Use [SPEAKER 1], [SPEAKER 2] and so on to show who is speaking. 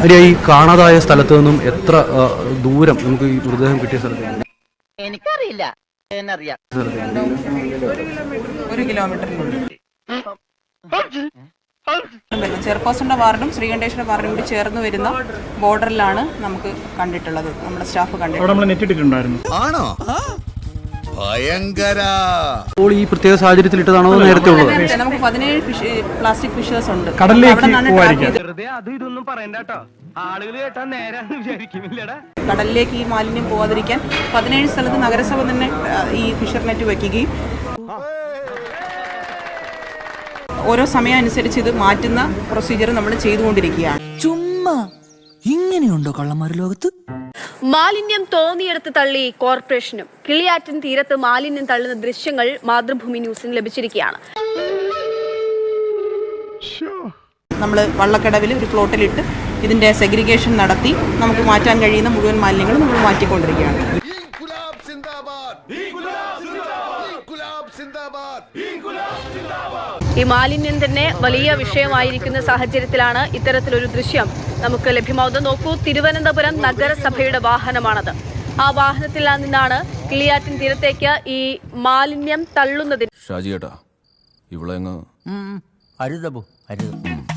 [SPEAKER 1] ഈ കാണാതായ സ്ഥലത്ത് നിന്നും എത്ര ദൂരം നമുക്ക് ഈ മൃതദേഹം കിട്ടിയ സ്ഥലത്ത്?
[SPEAKER 2] എനിക്കറിയില്ല. എന്നറിയാം,
[SPEAKER 3] 1 കിലോമീറ്ററിനുള്ളിൽ ചെയർപേഴ്സന്റെ വാർഡും ശ്രീകണ്ഠേശ്വര വാർഡും കൂടി ചേർന്ന് വരുന്ന ബോർഡറിലാണ് നമുക്ക് കണ്ടിട്ടുള്ളത്. നമ്മുടെ സ്റ്റാഫ് കണ്ടിട്ടുണ്ടായിരുന്നു.
[SPEAKER 4] ആണോ? ഭയങ്കര.
[SPEAKER 1] അപ്പോൾ ഈ പ്രത്യേക സാഹചര്യത്തിൽ ഇട്ടതാണോ നേരത്തെ ഉള്ളത്?
[SPEAKER 3] നമുക്ക് 17 പ്ലാസ്റ്റിക് ഫിഷേഴ്സ് ഉണ്ട്. കടലിലേക്ക് ഈ മാലിന്യം പോവാതിരിക്കാൻ 17 സ്ഥലത്ത് നഗരസഭ തന്നെ ഈ ഫിഷർ നെറ്റ് വയ്ക്കുകയും ഓരോ സമയം അനുസരിച്ച് ഇത് മാറ്റുന്ന പ്രൊസീജിയർ നമ്മൾ ചെയ്തുകൊണ്ടിരിക്കുകയാണ്.
[SPEAKER 5] ചുമ്മാ ഇങ്ങനെയുണ്ടോ കള്ളന്മാർ ലോകത്ത്?
[SPEAKER 6] മാലിന്യം തോന്നിയെടുത്ത് തള്ളി കോർപ്പറേഷനും. കിളിയാറ്റൻ തീരത്ത് മാലിന്യം തള്ളുന്ന ദൃശ്യങ്ങൾ മാതൃഭൂമി ന്യൂസിന് ലഭിച്ചിരിക്കുകയാണ്.
[SPEAKER 3] നമ്മൾ വള്ളക്കടവിൽ ഒരു പ്ലോട്ടിലിട്ട് ഇതിന്റെ സെഗ്രിഗേഷൻ നടത്തി നമുക്ക് മാറ്റാൻ കഴിയുന്ന മുഴുവൻ മാലിന്യങ്ങളും നമ്മൾ മാറ്റിക്കൊണ്ടിരിക്കുകയാണ്.
[SPEAKER 6] ഈ മാലിന്യം തന്നെ വലിയ വിഷയമായിരിക്കുന്ന സാഹചര്യത്തിലാണ് ഇത്തരത്തിലൊരു ദൃശ്യം നമുക്ക് ലഭ്യമാവുന്നത്. നോക്കൂ, തിരുവനന്തപുരം നഗരസഭയുടെ വാഹനമാണത്. ആ വാഹനത്തിൽ നിന്നാണ് കിളിയാറ്റിൻ തീരത്തേക്ക് ഈ മാലിന്യം തള്ളുന്നതിന്.
[SPEAKER 7] ഷാജിയേട്ടാ, ഇവിടെ
[SPEAKER 5] അരുതബു അരുത്.